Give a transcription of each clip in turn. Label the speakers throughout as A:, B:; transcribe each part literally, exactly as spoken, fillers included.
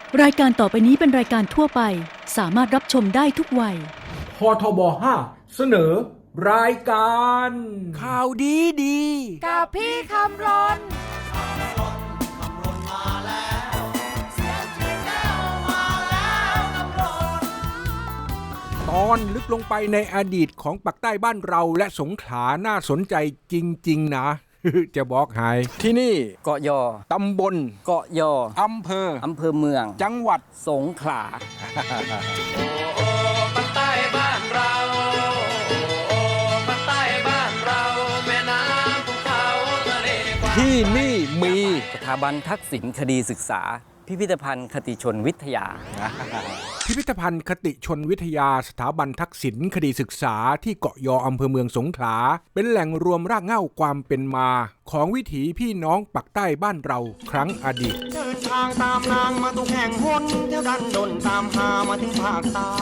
A: รายการต่อไปนี้เป็นรายการทั่วไปสามารถรับชมได้ทุกวัย
B: พทบห้าเสนอรายการ
C: ข่าวดีดี
D: กับพี่คำรน
C: ตอนลึกลงไปในอดีตของปักใต้บ้านเราและสงขลาน่าสนใจจริงๆนะจะบอกให้ที่นี่
E: เกาะยอ
C: ตำบล
E: เกาะยอ
C: อำเภอ
E: อำเภอเมือง
C: จังหวัด
E: สงขลา
F: โอ้โอ้ปักใต้บ้านเราโอ้โอ้ปักใต้บ้านเราแม่น้ำภูเขาทะเลกว้าง
C: ที่นี่มี
E: สถาบันทักษิณคดีศึกษาพิพิธภัณฑ์คติชนวิทยา
C: พิพิธภัณฑ์คติชนวิทยาสถาบันทักษิณคดีศึกษาที่เกาะยออำเภอเมืองสงขลาเป็นแหล่งรวมรากเหง้าความเป็นมาของวิถีพี่น้องปักใต้บ้านเราครั้งอดีต
G: เดินทางตามนางมาทุกแห่งหนเที่ยวดันดนตามหามาถึงภาคใต้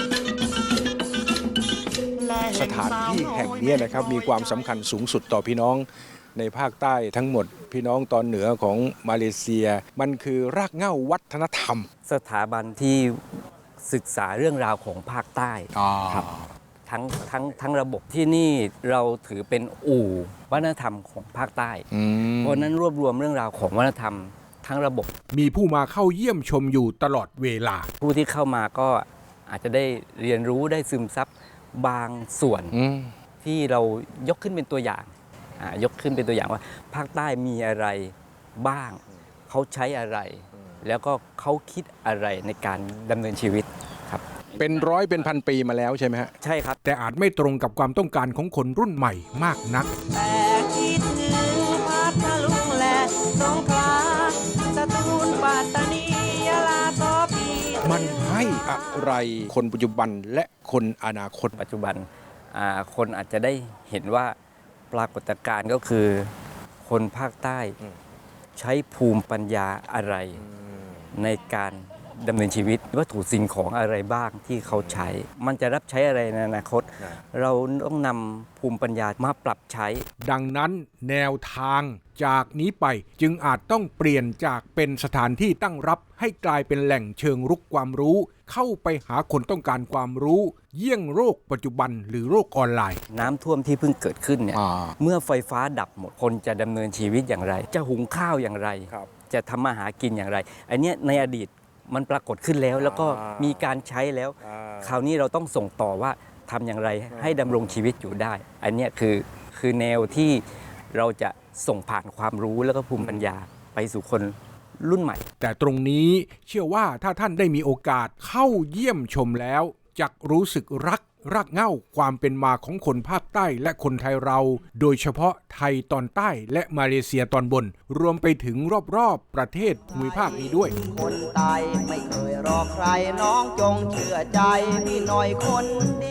C: สถานที่แห่งนี้นะครับมีความสำคัญสูงสุดต่อพี่น้องในภาคใต้ทั้งหมดพี่น้องตอนเหนือของมาเลเซียมันคือรากเหง้าวัฒนธรรม
E: สถาบันที่ศึกษาเรื่องราวของภาคใต้ครับทั้งทั้งทั้งระบบที่นี่เราถือเป็นอู่วัฒนธรรมของภาคใต้เพราะนั้นรวบรวมเรื่องราวของวัฒนธรรมทั้งระบบ
C: มีผู้มาเข้าเยี่ยมชมอยู่ตลอดเวลา
E: ผู้ที่เข้ามาก็อาจจะได้เรียนรู้ได้ซึมซับบางส่วนที่เรายกขึ้นเป็นตัวอย่างยกขึ้นเป็นตัวอย่างว่าภาคใต้มีอะไรบ้างเขาใช้อะไรแล้วก็เขาคิดอะไรในการดำเนินชีวิตครับ
C: เป็นร้อยเป็นพันปีมาแล้วใช่ไหมฮะ
E: ใช่ครับ
C: แต่อาจไม่ตรงกับความต้องการของคนรุ่นใหม่มากนัก
D: แต่คิดถึงพัทลุงและสงขลาสตูลปัตตานียะลาตอปี
C: มันให้อะไรคนปัจจุบันและคนอนาคต
E: ปัจจุบันคนอาจจะได้เห็นว่าปรากฏการณ์ก็คือคนภาคใต้ใช้ภูมิปัญญาอะไรในการดำเนินชีวิตวัตถุสิ่งของอะไรบ้างที่เขาใช้มันจะรับใช้อะไรในอนาคตเราต้องนำภูมิปัญญามาปรับใช้
C: ดังนั้นแนวทางจากนี้ไปจึงอาจต้องเปลี่ยนจากเป็นสถานที่ตั้งรับให้กลายเป็นแหล่งเชิงรุกความรู้เข้าไปหาคนต้องการความรู้เยี่ยงโรคปัจจุบันหรือโรคออนไลน์
E: น้ำท่วมที่เพิ่งเกิดขึ้นเนี่ยเมื่อไฟฟ้าดับหมดคนจะดำเนินชีวิตอย่างไรจะหุงข้าวอย่างไรจะทำมาหากินอย่างไรอันนี้ในอดีตมันปรากฏขึ้นแล้วแล้วก็มีการใช้แล้วคราวนี้เราต้องส่งต่อว่าทำอย่างไรให้ดำรงชีวิตอยู่ได้อันนี้คือคือแนวที่เราจะส่งผ่านความรู้แล้วก็ภูมิปัญญาไปสู่คนรุ่นใหม่
C: แต่ตรงนี้เชื่อว่าถ้าท่านได้มีโอกาสเข้าเยี่ยมชมแล้วจะรู้สึกรักรากเหง้าความเป็นมาของคนภาคใต้และคนไทยเราโดยเฉพาะไทยตอนใต้และมาเลเซียตอนบนรวมไปถึงรอบๆประเทศภูมิภาคนี้ด้วย
G: คนใต้ไม่เคยรอใครน้องจงเชื่อใจพี่หน่อยคนดี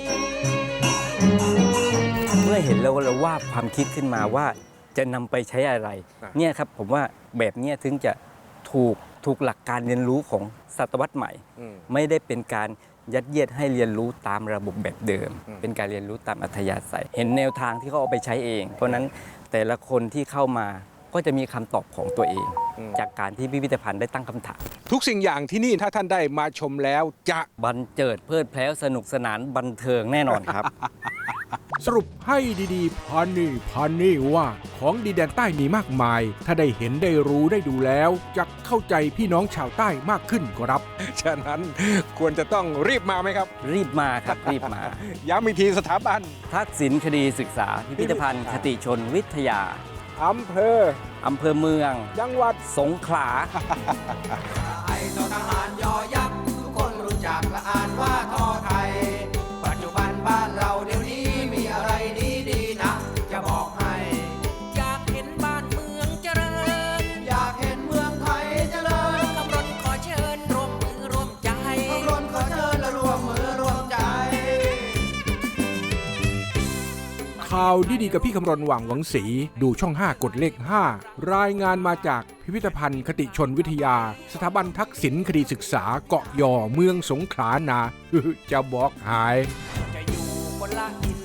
E: เมื่อเห็นแล้วเราว่าความคิดขึ้นมาว่าจะนำไปใช้อะไรเนี่ยครับผมว่าแบบนี้ถึงจะถูกถูกหลักการเรียนรู้ของศตวรรษใหม่ไม่ได้เป็นการยัดเยียดให้เรียนรู้ตามระบบแบบเดิมเป็นการเรียนรู้ตามอัธยาศัยเห็นแนวทางที่เขาเอาไปใช้เองเพราะนั้นแต่ละคนที่เข้ามาก็จะมีคำตอบของตัวเองจากการที่พิพิธภัณฑ์ได้ตั้งคำถาม
C: ทุกสิ่งอย่างที่นี่ถ้าท่านได้มาชมแล้วจะ
E: บันเจิดเพลิดเพลินสนุกสนานบันเทิงแน่นอนครับ
C: สรุปให้ดีๆพันนี่พันนี่ว่าของดีแดนใต้มีมากมายถ้าได้เห็นได้รู้ได้ดูแล้วจะเข้าใจพี่น้องชาวใต้มากขึ้นครับฉะนั้นควรจะต้องรีบมาไหมครับ
E: รีบมาครับรีบมา
C: ย้ำอีกทีสถาบัน
E: ทักษิณคดีศึกษาพิพิธภัณฑ์คติชนวิทยา
C: อำเภอ
E: อำเภอเมือง
C: จังหวัด
E: สงขลา
F: ไอ้ทหารยอยักษ์ทุกคนรู้จักและอ่านว่าทอไทยปัจจุบันบ้านเราเดี๋ยวนี้มีอะไรดีๆนะจะบอกให้
D: อยากเห็นบ้านเมืองเจริญ
F: อยากเห็นเมืองไทยเจริญ
D: คำรณขอเชิญร่วมมือร่วมใจ
F: คำรณขอเชิญและร่วมมือร่วมใจ
C: ข่าวดีๆกับพี่คำรณหว่างหวังศรีดูช่องห้ากดเลขห้ารายงานมาจากพิพิธภัณฑ์คติชนวิทยาสถาบันทักษิณคดีศึกษาเกาะยอเมืองสงขลานาจะบอกหาย
D: จะอยู่คนละทิศ